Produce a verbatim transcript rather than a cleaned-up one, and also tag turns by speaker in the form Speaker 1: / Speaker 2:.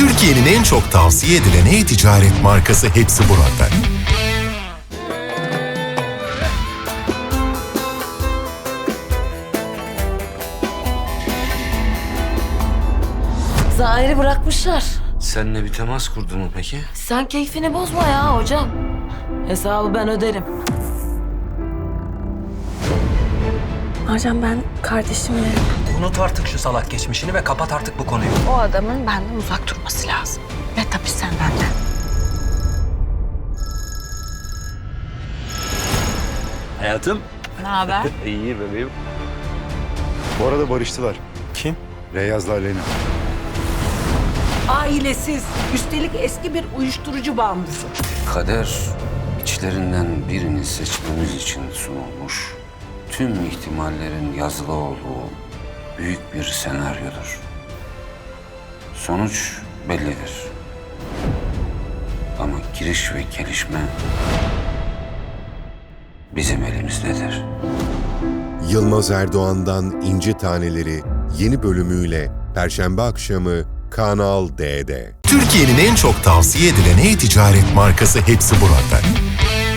Speaker 1: Türkiye'nin en çok tavsiye edilen e-ticaret markası hepsi burada.
Speaker 2: Zahir'i bırakmışlar.
Speaker 3: Seninle bir temas kurdu mu peki?
Speaker 2: Sen keyfini bozma ya hocam. Hesabı ben öderim.
Speaker 4: Hocam ben kardeşimle...
Speaker 5: Unut artık şu salak geçmişini ve kapat artık bu konuyu.
Speaker 4: O adamın benden uzak durması lazım. Ve tabii sen benden.
Speaker 3: Hayatım.
Speaker 4: Ne haber?
Speaker 3: İyi bebeğim.
Speaker 6: Bu arada barıştılar.
Speaker 3: Kim?
Speaker 6: Reyyaz'la Aleyna.
Speaker 7: Ailesiz, üstelik eski bir uyuşturucu bağımlısı.
Speaker 3: Kader içlerinden birini seçmemiz için sunulmuş, tüm ihtimallerin yazılı olduğu büyük bir senaryodur. Sonuç bellidir. Ama giriş ve gelişme bizim elimizdedir.
Speaker 8: Yılmaz Erdoğan'dan İnci Taneleri yeni bölümüyle Perşembe akşamı Kanal D'de.
Speaker 1: Türkiye'nin en çok tavsiye edilen e-ticaret markası hepsi burada.